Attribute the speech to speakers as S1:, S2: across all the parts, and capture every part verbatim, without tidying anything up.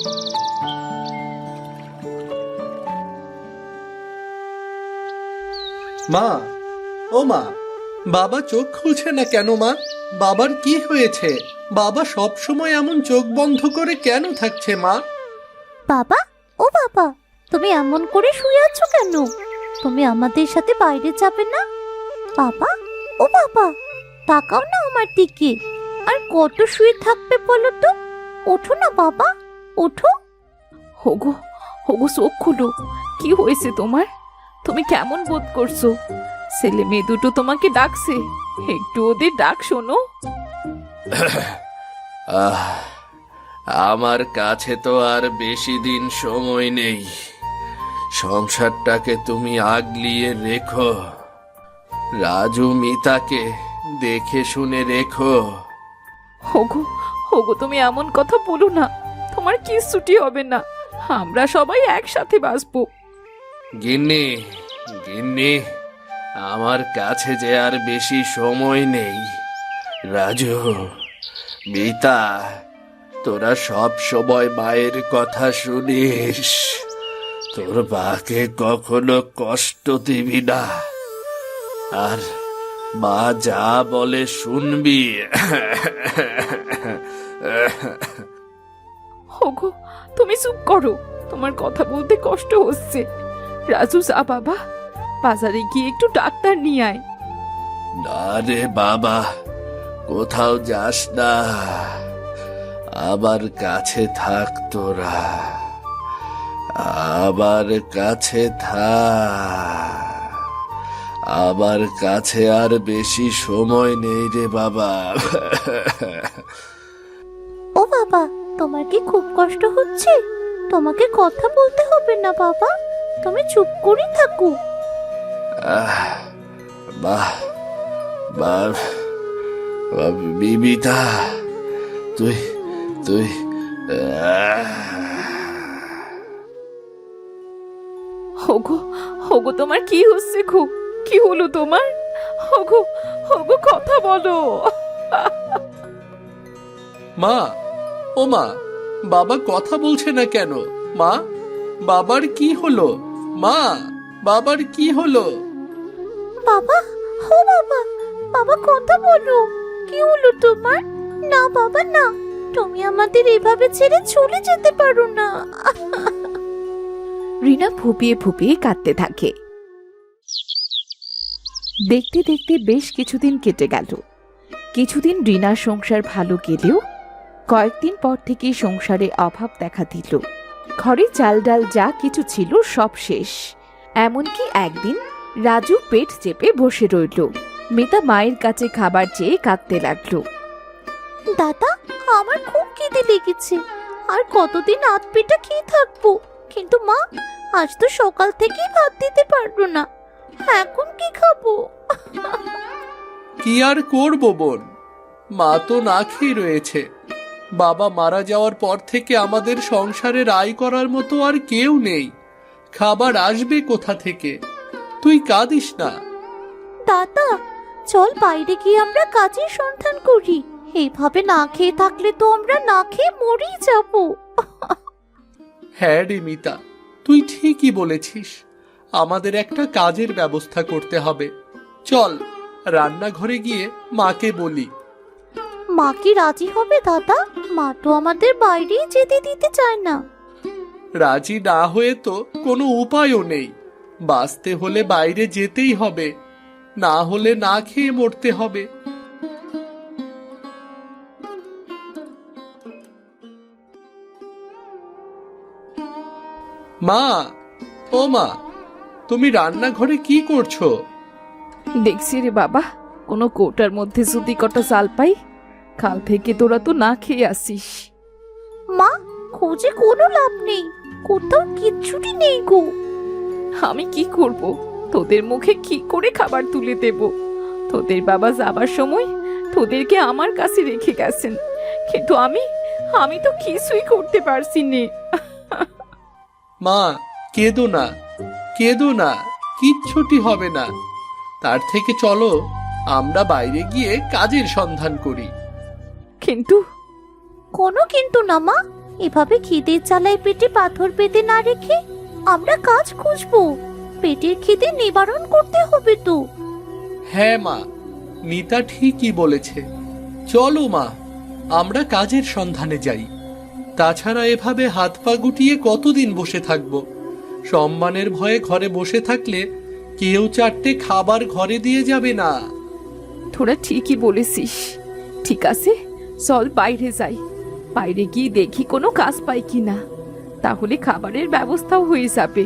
S1: মা, ও মা, বাবা চোখ খুলছে না কেন মা? বাবার কি হয়েছে? বাবা সব সময় এমন চোখ বন্ধ করে কেন থাকছে মা?
S2: বাবা, ও বাবা, তুমি এমন করে শুয়ে আছো কেন? তুমি আমাদের সাথে বাইরে যাবে না? বাবা, ও বাবা, তাকাও না আমার দিকে। আর কত শুয়ে থাকবে বলো তো? ওঠো না বাবা, ওঠো।
S3: হোগো হোগো চোখ খুলো। কি হয়েছে তোমার? তুমি কেমন বোধ করছো? ছেলে মেয়ে দুটো তোমাকে ডাকছে, একটু ওদের ডাক শোনো।
S4: আহ, আমার কাছে তো আর বেশি দিন সময় নেই। সংসারটাকে তুমি আগলিয়ে রেখো, রাজু মিতাকে দেখে শুনে রেখো।
S3: হোগো হোগো তুমি এমন কথা বলো না, তোমার কিচ্ছুটি হবে না, আমরা সবাই একসাথে বাঁচবো।
S4: গিন্নি, গিন্নি, আমার কাছে যে আর বেশি সময় নেই। রাজু, মিতা, তোরা সব সময় মায়ের কথা শুনিস। তোর মাকে কখনো কষ্ট দিবি না, আর মা যা বলে শুনবি।
S3: হোগো তুমি চুপ করো, তোমার কথা বলতে কষ্ট হচ্ছে। রাজু, যা বাবা, বাজারে গিয়ে একটু ডাক্তার নিয়ে আয়।
S4: না রে বাবা, কোথাও যাস না, আমার কাছে থাক তোরা, আমার কাছে থাক। আমার কাছে আর বেশি সময় নেই রে বাবা।
S2: ও বাবা, তোমার কি খুব কষ্ট হচ্ছে? তোমাকে কথা বলতে হবে না বাবা, তুমি চুপ করে থাকো।
S4: আহ, বাহ বাহ, বিবিতা, তুই তুই আহ
S3: হোগো হোগো তোমার কি হচ্ছে? খুব কি হলো তোমার? হোগো হোগো কথা বলো।
S1: মা, ও মা, বাবা কথা বলছে না কেন? মা, বাবার কি হলো? মা, বাবার কি হলো?
S2: বাবা, ও বাবা, বাবা কথা বলো। কি হলো তোমার? না বাবা না, তুমি আমাদের এভাবে ছেড়ে চলে যেতে পারো না।
S3: রিনা ফুপিয়ে ফুপিয়ে কাঁদতে থাকে। দেখতে দেখতে বেশ কিছুদিন কেটে গেল। কিছুদিন রিনার সংসার ভালো গেলেও কয়েকদিন পর থেকে সংসারে অভাব দেখা দিল। ঘরে চাল ডাল যা কিছু ছিল সব শেষ। এমনকি একদিন রাজু পেট চেপে বসে রইল। মিতা মায়ের কাছে খাবার চেয়ে কাঁদতে লাগলো।
S2: দাদা, আমার খুব খিদে লেগেছে, আর কতদিন আধ পেটা খেয়ে থাকবো। কিন্তু মা, আজ তো সকাল থেকেই ভাত দিতে পারলো না, এখন কি খাবো?
S1: কি আর করব বোন, মা তো না খেয়ে রয়েছে। বাবা মারা যাওয়ার পর থেকে আমাদের সংসারে আয় করার মতো আর কেউ নেই। খাবার আসবে কোথা থেকে? তুই কাঁদিস না।
S2: দাদা, চল বাইরে গিয়ে আমরা কাজের সন্ধান করি। এইভাবে না খেয়ে থাকলে তো আমরা না খেয়ে মরেই যাব।
S1: হ্যাঁ রে মিতা, তুই ঠিকই বলেছিস। আমাদের একটা কাজের ব্যবস্থা করতে হবে। চল রান্নাঘরে গিয়ে মাকে বলি।
S2: মা কি রাজি হবে দাদা? মা তো আমাদের বাইরেই যেতে দিতে চায় না।
S1: রাজি না হয়ে তো কোনো উপায়ও নেই। বাঁচতে হলে বাইরে যেতেই হবে, না হলে না খেয়ে মরতে হবে। মা, ও মা, তুমি রান্নাঘরে কি করছো?
S3: দেখছি রে বাবা, কোনো কৌটার মধ্যে যদি কটা চাল পাই। কাল থেকে তোরা তো না খেয়ে আসিস।
S2: মা, খোঁজে কোনো লাভ নেই, কোথাও কিচ্ছুটি নেই গো।
S3: আমি কি করব? তোদের মুখে কি করে খাবার তুলে দেব? তোদের বাবা যাবার সময় তোদেরকে আমার কাছে রেখে গেছেন, কিন্তু আমি আমি তো কিছুই করতে পারছি নে।
S1: মা, কেঁদো না, কেঁদো না, কিচ্ছুটি হবে না। তার থেকে চলো আমরা বাইরে গিয়ে কাজের সন্ধান করি।
S3: কিন্তু
S2: কোনো কিন্তু না মা, এভাবে খিদের জ্বালায় পেটে পাথর পেতে না রেখে আমরা কাজ খুঁজবো। পেটের খিদে নিবারণ করতে হবে তো।
S1: হ্যাঁ মা, নিতা ঠিকই বলেছে। চলো মা, আমরা কাজের সন্ধানে যাই। তাছাড়া এভাবে হাত পা গুটিয়ে কতদিন বসে থাকবো? সম্মানের ভয়ে ঘরে বসে থাকলে কেউ চারটে খাবার ঘরে দিয়ে যাবে না।
S3: তোরা ঠিকই বলেছিস। ঠিক আছে, চল বাইরে যাই। বাইরে গিয়ে দেখি কোনো কাজ পাই কিনা, তাহলে খাবারের ব্যবস্থাও হয়ে যাবে।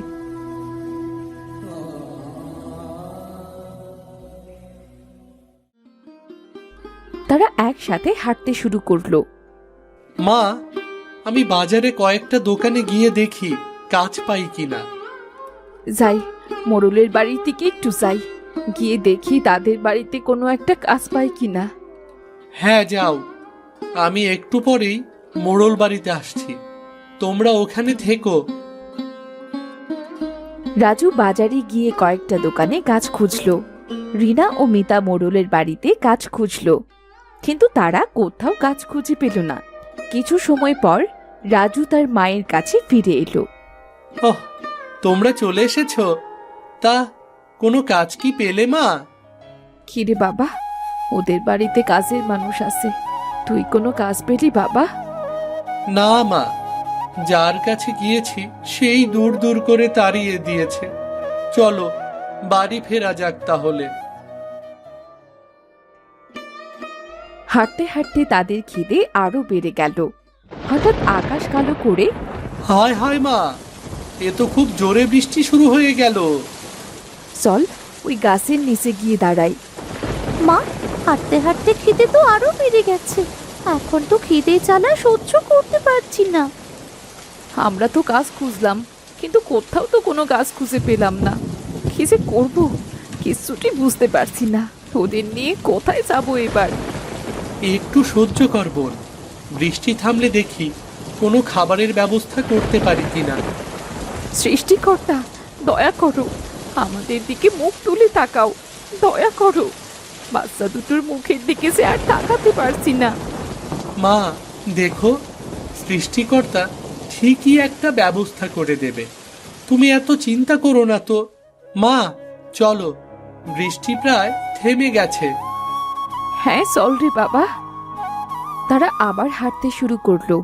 S3: তারা একসাথে হাঁটতে শুরু করলো।
S1: মা, আমি বাজারে কয়েকটা দোকানে গিয়ে দেখি কাজ পাই কিনা।
S3: যাই, মোড়লের বাড়ির দিকে একটু যাই, গিয়ে দেখি তাদের বাড়িতে কোনো একটা কাজ পাই কিনা।
S1: হ্যাঁ যাও, আমি একটু পরেই মোড়ল বাড়িতে আসছি, তোমরা ওখানে থেকো।
S3: রাজু বাজারে গিয়ে কয়েকটা দোকানে কাজ খুঁজলো। রিনা ও মিতা মোড়লের বাড়িতে কাজ খুঁজলো, কিন্তু তারা কোথাও কাজ খুঁজে পেল না। কিছু সময় পর রাজু তার মায়ের কাছে ফিরে এলো।
S1: ওহ, তোমরা চলে এসেছো? তা কোনো কাজ কি পেলে মা?
S3: কিরে বাবা, ওদের বাড়িতে কাজের মানুষ আছে, তুই কোনো কাজ পেলি বাবা?
S1: না মা, যার কাছে গিয়েছি সেই দূর দূর করে তাড়িয়ে দিয়েছে। চলো বাড়ি ফেরা যাক তাহলে।
S3: হাঁটতে হাঁটতে তাদের খিদে আরো বেড়ে গেল। হঠাৎ আকাশ কালো করে
S1: হায় হায় মা, এ তো খুব জোরে বৃষ্টি শুরু হয়ে গেল।
S3: চল ওই গাছের নিচে গিয়ে দাঁড়াই।
S2: মা, হাঁটতে হাঁটতে খিদে তো আরো বেড়ে গেছে। এখন তো খিদে জ্বালা সহ্য করতে পারছি না।
S3: আমরা তো কাজ খুঁজলাম, কিন্তু কোথাও তো কোনো কাজ খুঁজে পেলাম না। কি যে করবো কিছুটি বুঝতে পারছি না। ওদের নিয়ে কোথায় যাবো এবার?
S1: একটু সহ্য কর বোন, বৃষ্টি থামলে দেখি কোনো খাবারের ব্যবস্থা করতে পারি কিনা।
S3: সৃষ্টিকর্তা, দয়া করো, আমাদের দিকে মুখ তুলে তাকাও, দয়া করো। বাচ্চা দুটোর মুখের দিকে সে আর তাকাতে পারছি না।
S1: মা দেখো, সৃষ্টিকর্তা ঠিকই একটা ব্যবস্থা করে দেবে, তুমি এত চিন্তা করো না তো। মা চলো, বৃষ্টি প্রায় থেমে গেছে।
S3: হ্যাঁ চল রে বাবা। তারা আবার হাঁটতে শুরু করলো।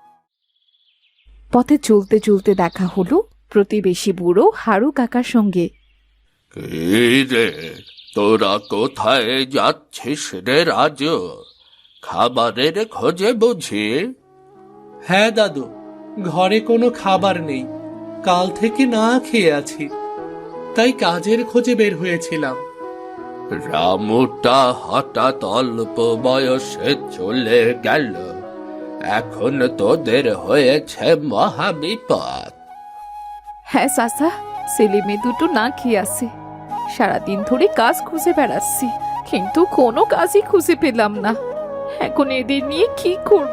S3: পথে চলতে চলতে দেখা হলো প্রতিবেশী বুড়ো হারু কাকার সঙ্গে।
S4: এই রে, তোরা কোথায় যাচ্ছিস রে রাজু? খাবারের খোঁজে বুঝি?
S1: হ্যাঁ দাদু, ঘরে কোনো খাবার নেই, কাল থেকে না খেয়ে আছি, তাই কাজের খোঁজে বের হয়েছিলাম।
S4: রামুটা হঠাৎ অল্প বয়সে চলে গেল, এখন তোদের হয়েছে মহাবিপদ।
S3: হ্যাঁ চাচা, ছেলে মেয়ে দুটো না খেয়ে আছে। সারাদিন ধরে কাজ খুঁজে বেড়াচ্ছি, কিন্তু কোনো কাজই খুঁজে পেলাম না। এখন এদের নিয়ে কি করব?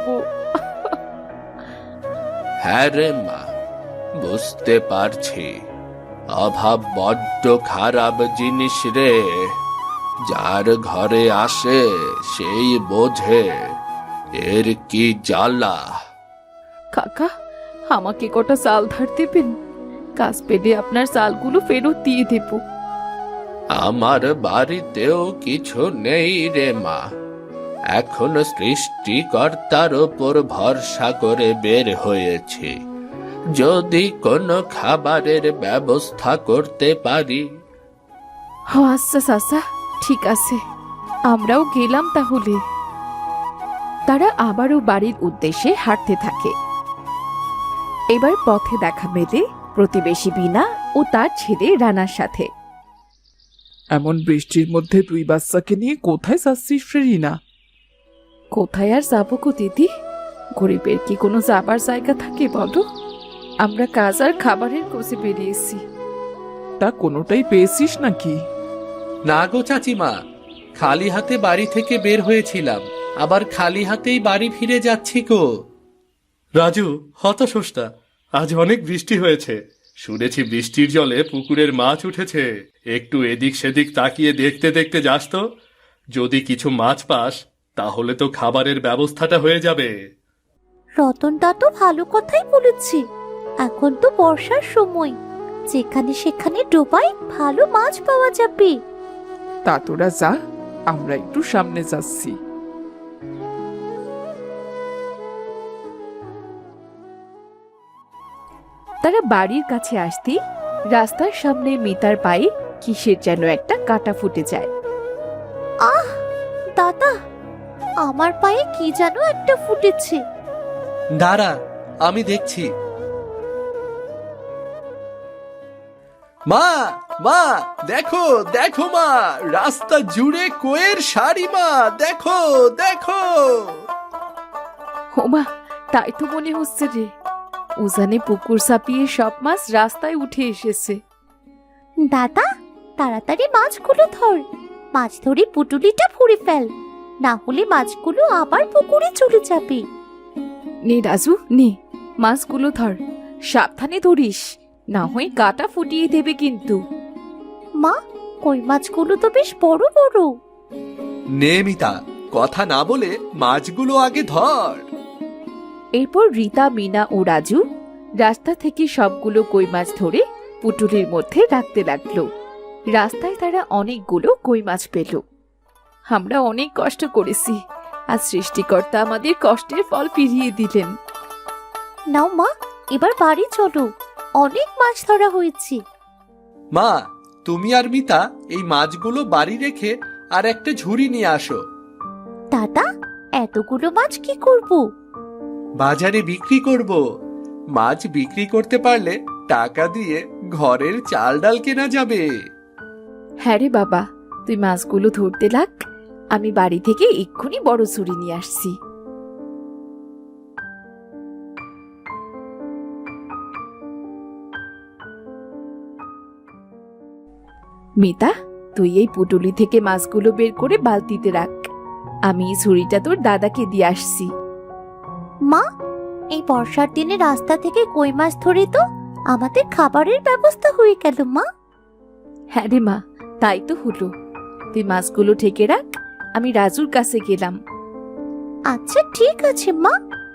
S4: হ্যাঁ রে মা, বুঝতে পারছি, অভাব বড্ড খারাপ জিনিস রে। যার ঘরে আসে সেই বোঝে এর কি জ্বালা।
S3: কাকা, আমাকে কটা চাল ধার দেবেন? কাজ পেলে আপনার চালগুলো ফেরত দিয়ে দেব।
S4: আমার বাড়িতেও কিছু নেই রে মা, এখন সৃষ্টিকর্তার ওপর ভরসা করে বের হয়েছি। যদি কোনো খাবারের ব্যবস্থা করতে পারি।
S3: ও আচ্ছা চাচা, ঠিক আছে, আমরাও গেলাম তাহলে। তারা আবারও বাড়ির উদ্দেশ্যে হাঁটতে থাকে। এবার পথে দেখা মেলে প্রতিবেশী বিনা ও তার ছেলে রানার সাথে।
S5: এমন বৃষ্টির মধ্যে তুই বাচ্চাকে নিয়ে কোথায় যাচ্ছিস রে রিনা?
S3: কোথায় আর যাবো গো দিদি? গরিবের কি কোনো যাবার জায়গা থাকে বলো? আমরা কাজ আর খাবারের খোঁজে বেরিয়েছি।
S5: তা কোনোটাই পেয়েছিস নাকি?
S1: না গো চাচিমা, খালি হাতে বাড়ি থেকে বের হয়েছিলাম, আবার খালি হাতেই বাড়ি ফিরে যাচ্ছি গো। রাজু, হতাশোসটা, আজ অনেক বৃষ্টি হয়েছে, শুনেছি বৃষ্টির জলে পুকুরের মাছ উঠেছে। একটু এদিক সেদিক তাকিয়ে দেখতে দেখতে যাস তো, যদি কিছু মাছ পাস তাহলে তো খাবারের ব্যবস্থাটা হয়ে যাবে।
S2: রতন দা তো ভালো কথাই বলেছে। এখন তো বর্ষার সময়, যেখানে সেখানে ডোবায় ভালো মাছ পাওয়া যাবে।
S5: তা তোরা যা, আমরা একটু সামনে যাচ্ছি।
S3: তারা বাড়ির কাছে আসতেই রাস্তার সামনে মিতার পায়ে কিসের যেন একটা কাঁটা ফুটে যায়।
S2: আহ দাদা, আমার পায়ে কি যেন একটা ফুটেছে।
S1: দাঁড়া, আমি দেখছি। মা, মা, দেখো দেখো মা, রাস্তা জুড়ে কোয়ের শাড়ি মা, দেখো দেখো।
S3: ওমা, তাই তো মনে হচ্ছে রে, উজানে পুকুর ছাপিয়ে সব মাছ রাস্তায় উঠে এসেছে।
S2: দাদা, তাড়াতাড়ি মাছগুলো ধর, মাছ ধরে পুটুলিটা ভরে ফেল, না হলে মাছগুলো আবার পুকুরে চলে যাবে।
S3: নে রাজু, নে মাছগুলো ধর, সাবধানে ধরিস, না হয় কাঁটা ফুটিয়ে দেবে কিন্তু।
S2: মা, কই মাছগুলো তো বেশ বড় বড়।
S1: নে মিতা, কথা না বলে মাছগুলো আগে ধর।
S3: এরপর রীতা, মিনা ও রাজু রাস্তা থেকে সবগুলো কই মাছ ধরে পুটুলির মধ্যে রাখতে লাগলো। রাস্তায় তারা অনেকগুলো কই মাছ পেল। আমরা অনেক কষ্ট করেছি, আর সৃষ্টিকর্তা আমাদের কষ্টের ফল ফিরিয়ে দিলেন।
S2: নাও মা, এবার বাড়ি চলো, অনেক মাছ ধরা হয়েছে।
S1: মা, তুমি আর মিতা এই মাছগুলো বাড়ি রেখে আর একটা ঝুড়ি নিয়ে আসো।
S2: দাদা, এতগুলো মাছ কি করব?
S1: বাজারে বিক্রি করব। মাছ বিক্রি করতে পারলে টাকা দিয়ে ঘরের চাল ডাল কেনা যাবে।
S3: হ্যাঁ রে বাবা, তুই মাছগুলো ধরতে লাগ, আমি বাড়ি থেকে এক্ষুনি বড় ছুরি নিয়ে আসছি। মিতা, তুই এই পুটুলি থেকে মাছগুলো বের করে বালতিতে রাখ, আমি এই ছুরিটা তোর দাদাকে দিয়ে আসছি।
S2: মা, এই বর্ষার দিনে রাস্তা থেকে কই মাছ ধরে তো আমাদের খাবারের ব্যবস্থা হয়ে গেল মা।
S3: হ্যাঁ রে মা, তাই তো হলো। তুই মাছগুলো ঢেকে রাখ, আমি রাজুর কাছে গেলাম।
S2: আচ্ছা ঠিক আছে মা।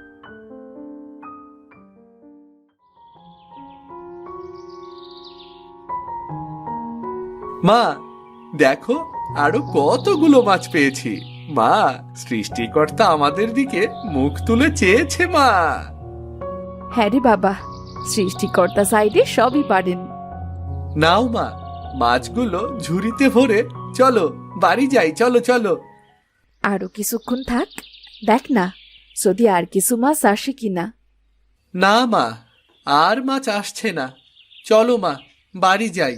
S1: মা, দেখো আরো কতগুলো মাছ পেয়েছি। মা, সৃষ্টিকর্তা আমাদের দিকে মুখ তুলে চেয়েছে মা।
S3: হ্যাঁ রে বাবা, সৃষ্টিকর্তা সাইডে সবই পারেন।
S1: নাও মা, মাছগুলো ঝুড়িতে ভরে চলো বাড়ি যাই, চলো চলো।
S3: আরো কিছুক্ষণ থাক, দেখ না যদি আর কিছু মাছ আসে কিনা।
S1: না মা, আর মাছ আসছে না, চলো মা বাড়ি যাই।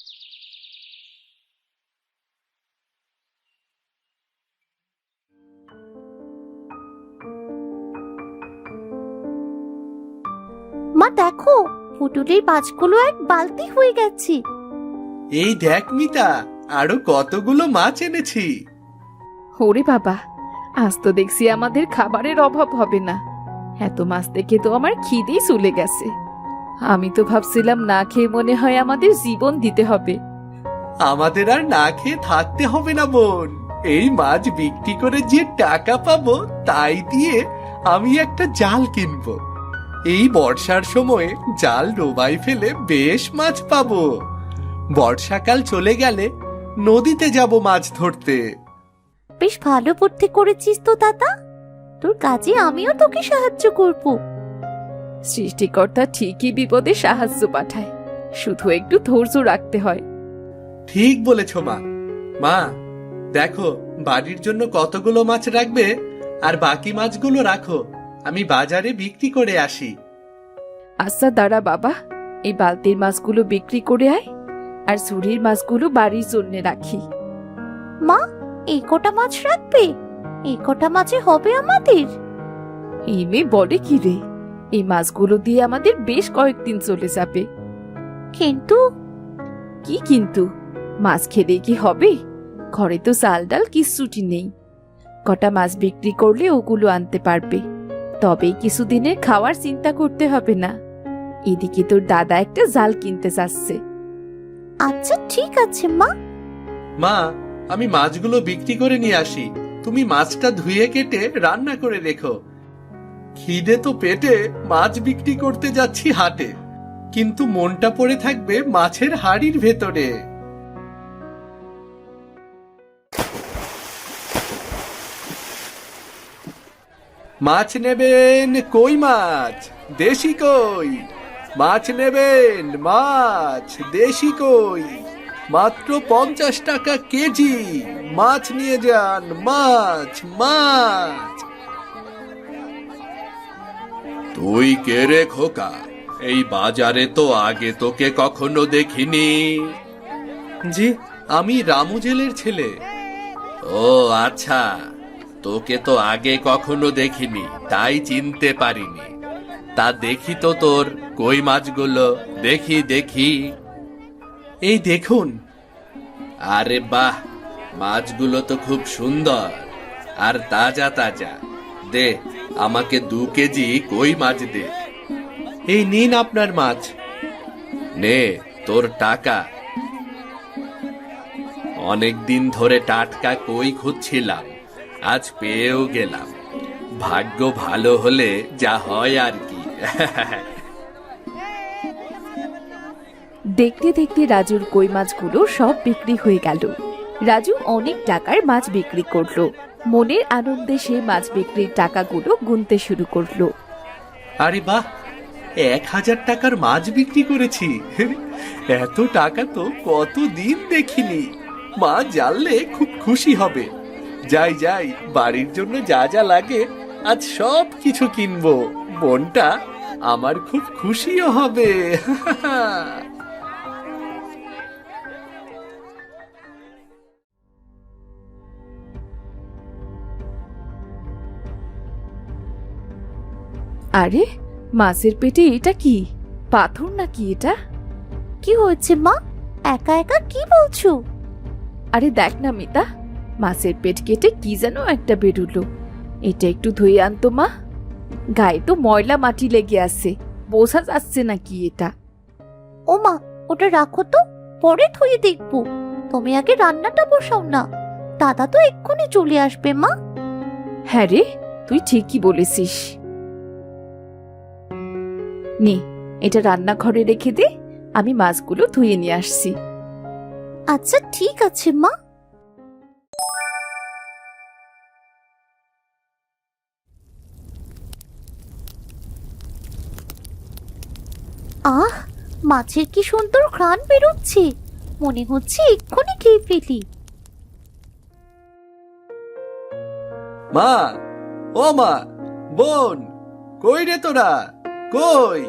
S2: মা দেখো, পুটুলির মাছগুলো এক বালতি হয়ে গেছে।
S1: এই দেখ মিতা, আরো কতগুলো মাছ এনেছি।
S3: ওরে বাবা, আজ তো দেখছি আমাদের খাবারের অভাব হবে না। এত মাছ দেখে তো আমার খিদেই চলে গেছে। আমি তো ভাবছিলাম না খেয়ে মনে হয় আমাদের জীবন দিতে হবে।
S1: আমাদের আর না খেয়ে থাকতে হবে না বোন, এই মাছ বিক্রি করে যে টাকা পাবো তাই দিয়ে আমি একটা জাল কিনবো। এই বর্ষার সময়ে জাল ডোবাই ফেলে বেশ মাছ পাবো। বর্ষাকাল চলে গেলে নদীতে যাব মাছ ধরতে।
S2: বেশ ভালো বুদ্ধি করেছিস তো দাদা, তোর কাজে আমিও তোকে সাহায্য করব।
S3: সৃষ্টিকর্তা ঠিকই বিপদে সাহায্য পাঠায়, শুধু একটু ধৈর্য রাখতে হয়।
S1: ঠিক বলেছ মা। মা দেখো, বাড়ির জন্য কতগুলো মাছ রাখবে, আর বাকি মাছগুলো রাখো, আমি বাজারে বিক্রি করে আসি।
S3: আচ্ছা দাঁড়া বাবা, এই বালতির মাছগুলো বিক্রি করে আয়, আর ঝুড়ির মাছগুলো বাড়ির জন্য রাখি।
S2: মা, এই কটা মাছ রাখবে? এই কটা মাছে হবে আমাদের?
S3: এই মেয়ে বলে কি রে, এই মাছগুলো দিয়ে আমাদের বেশ কয়েকদিন চলে যাবে।
S2: কিন্তু
S3: কি কিন্তু? মাছ খেলে কি হবে? ঘরে তো চাল ডাল কিচ্ছুটি নেই। কটা মাছ বিক্রি করলে ওগুলো আনতে পারবে, তবেই কিছুদিনের খাওয়ার চিন্তা করতে হবে না। এদিকে তোর দাদা একটা জাল কিনতে চাচ্ছে।
S2: আচ্ছা ঠিক আছে মা।
S1: মা, আমি মাছগুলো বিক্রি করে নিয়ে আসি, তুমি মাছটা ধুয়ে কেটে রান্না করে রেখো। খিদে তো পেটে, মাছ বিক্রি করতে যাচ্ছি হাটে, কিন্তু মনটা পড়ে থাকবে মাছের হাড়ির ভেতরে। মাছ নেবেন? কই মাছ, দেশি কই। মাছ নেবেন? মাছ দেশি কই, মাত্র পঞ্চাশ টাকা কেজি। মাছ নিয়ে যান, মাছ মাছ।
S4: তুই কে রে খোকা? এই বাজারে তো আগে তোকে কখনো দেখিনি।
S1: জি, আমি রামু জেলের ছেলে।
S4: ও আচ্ছা, তোকে তো আগে কখনো দেখিনি, তাই চিনতে পারিনি। তা দেখি তো তোর কই মাছগুলো, দেখি দেখি।
S1: এই দেখুন।
S4: আরে বাহ, মাছগুলো তো খুব সুন্দর আর তাজা তাজা। দে আমাকে দু কেজি কই মাছ দে।
S1: এই নিন আপনার মাছ।
S4: নে তোর টাকা। অনেক দিন ধরে টাটকা কই খুঁজছিলাম, আজ পেয়েও গেলাম। ভাগ্য ভালো হলে যা হয় আর কি।
S3: দেখতে দেখতে রাজুর কই মাছগুলো সব বিক্রি হয়ে গেল। রাজু অনেক টাকার মাছ বিক্রি করলো। মনের আনন্দে সে মাছ বিক্রির টাকাগুলো গুনতে শুরু করলো।
S1: আরে বাহ, এক হাজার টাকার মাছ বিক্রি করেছি। এত টাকা তো কতদিন দেখিনি। মা জানলে খুব খুশি হবে। যাই যাই, বাড়ির জন্য যা যা লাগে আজ সব কিছু কিনবো। বোনটা আমার খুব খুশিও হবে।
S3: আরে মাছের পেটে এটা কি? পাথর নাকি এটা?
S2: কি হয়েছে মা? একা একা কি বলছো?
S3: আরে দেখ না মিতা, মাছের পেট কেটে কি যেন একটা বেরুলো। এটা একটু ধুয়ে আনতো মা। গায়ে তো ময়লা মাটি লেগে আছে, বোঝা যাচ্ছে না কি এটা।
S2: ও মা, ওটা রাখো তো, পরে ধুয়ে দেখবো। তুমি আগে রান্নাটা বসাও না, দাদা তো এক্ষুনি চলে আসবে মা।
S3: হ্যাঁ রে, তুই ঠিকই বলেছিস। নে, এটা রান্নাঘরে রেখে দে, আমি মাছগুলো ধুয়ে নিয়ে আসছি।
S2: আচ্ছা ঠিক আছে মা। আহ, মাছের কি সুন্দর ঘ্রাণ বেরোচ্ছে। মনে হচ্ছে এক্ষুনি খেয়ে ফেলি।
S1: মা, ও মা, বোন, কই রে তোরা, কই?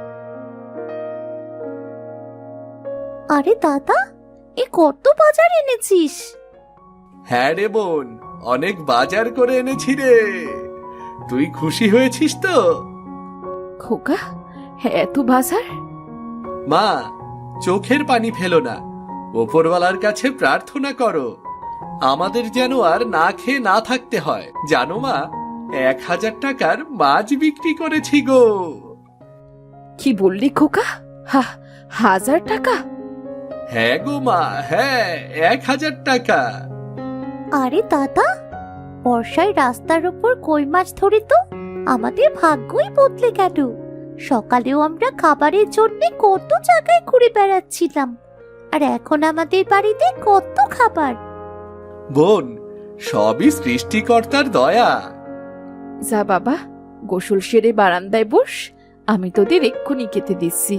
S2: আরে দাদা, এ কত বাজার এনেছিস?
S1: হ্যাঁ রে বোন, অনেক বাজার করে এনেছি রে। তুই খুশি হয়েছিস তো?
S3: খোকা, হ্যাঁ এত বাজার?
S1: মা, চোখের পানি ফেলো না, ওপরওয়ালার কাছে প্রার্থনা করো আমাদের যেন আর না খেয়ে না থাকতে হয়। জানো মা, এক হাজার টাকার মাছ বিক্রি করেছি গো।
S3: কি বললি খোকা? হা, হাজার টাকা?
S1: হ্যাঁ গো মা, হ্যাঁ, এক হাজার টাকা।
S2: আরে দাদা, বর্ষায় রাস্তার উপর কই মাছ ধরে তো আমাদের ভাগ্যই বদলে গেল। সকালেও আমরা খাবারের জন্য কত জায়গায় ঘুরে বেড়াচ্ছিলাম, আর এখন আমাদের বাড়িতে কত খাবার।
S1: বোন, সবই সৃষ্টিকর্তার দয়া।
S3: যা বাবা, গোসল সেরে বারান্দায় বস, আমি তোদের এক্ষুনি খেতে দিচ্ছি।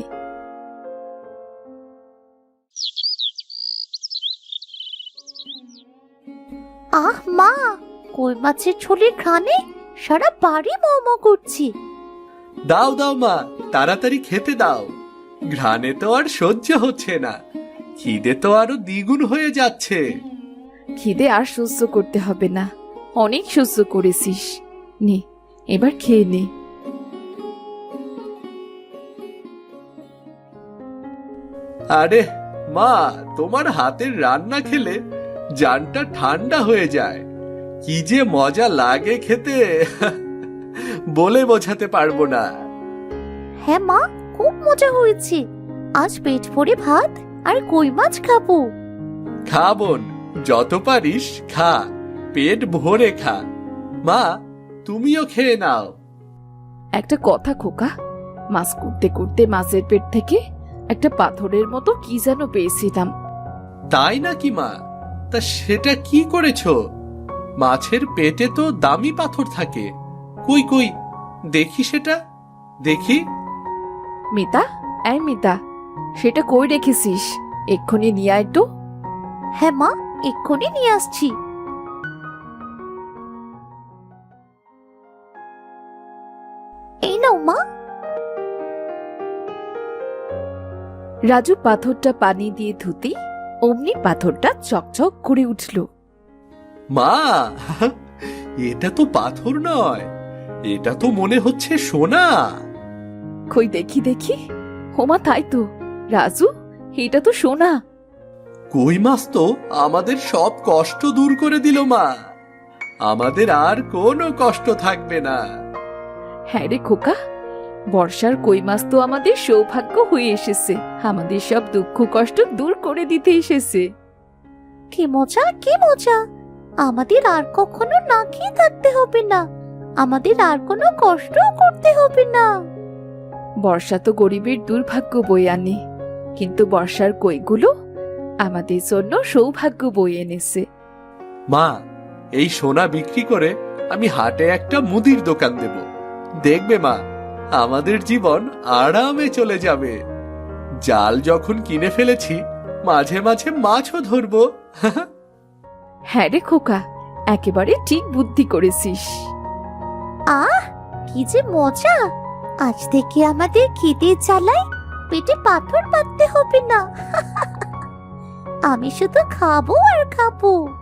S2: আহ মা, কই মাছের ঝোলের ঘ্রাণে সারা বাড়ি মোমো করছি।
S1: দাও দাও মা, তাড়াতাড়ি খেতে দাও। ঘ্রাণে তো আর সহ্য হচ্ছে না, খিদে তো আরো দ্বিগুণ হয়ে যাচ্ছে।
S3: খিদে আর সহ্য করতে হবে না, অনেক সহ্য করেছিস। নে, এবার খেয়ে নে।
S1: আরে মা, তোমার হাতের রান্না খেলে জানটা ঠান্ডা হয়ে যায়। কি যে মজা লাগে খেতে, বলে বোঝাতে পারবো না।
S2: হ্যাঁ মা, খুব মজা হয়েছে। আজ পেট ভরে ভাত আর কই মাছ খাবো।
S1: খা বোন, যত পারিস খা, পেট ভরে খা। মা, তুমিও খেয়ে নাও।
S3: একটা কথা খোকা, মাছ করতে করতে মাছের পেট থেকে একটা পাথরের মতো কি যেন পেয়েছিলাম।
S1: তাই নাকি মা? তা সেটা কি করেছো? মাছের পেটে তো দামি পাথর থাকে। কই কই দেখি, সেটা দেখি।
S3: মিতা, এই মিতা, সেটা কই রেখেছিস? এক্ষুনি নিয়ে আয় তো।
S2: হ্যাঁ মা, এক্ষুনি নিয়ে আসছি। এই নাও মা।
S3: রাজু পাথরটা পানি দিয়ে ধুতেই অমনি পাথরটা চকচক করে উঠল।
S1: মা, এটা তো পাথর নয়, এটা তো মনে হচ্ছে সোনা।
S3: কই দেখি দেখি। হোমা, তাই তো রাজু, এটা তো সোনা।
S1: কই মাছ তো আমাদের সব কষ্ট দূর করে দিল মা। আমাদের আর কোনো কষ্ট থাকবে না।
S3: হ্যাঁ রে খোকা, বর্ষার কই মাছ তো আমাদের সৌভাগ্য হয়ে এসেছে, আমাদের সব দুঃখ কষ্ট দূর করে দিতে এসেছে।
S2: কি মজা, কি মজা! আমাদের আর কখনো না খেয়ে থাকতে হবে না, আমাদের আর কোনো কষ্টও করতে হবে না।
S3: বর্ষা তো গরিবের দুর্ভাগ্য বয়ে আনে, কিন্তু বর্ষার কইগুলো আমাদের জন্য সৌভাগ্য বয়ে এনেছে।
S1: মা, এই সোনা বিক্রি করে আমি হাটে একটা মুদির দোকান দেব। দেখবে মা, আমাদের জীবন আরামে চলে যাবে। জাল যখন কিনে ফেলেছি, মাঝে মাঝে মাছও ধরবো।
S3: হ্যাঁ রে খোকা, একেবারে ঠিক বুদ্ধি করেছিস।
S2: আহ, কি যে মজা! আজ থেকে আমাদের খিদে জ্বালায় পেটে পাথর বাঁধতে হবে না। আমি শুধু খাবো আর খাবো।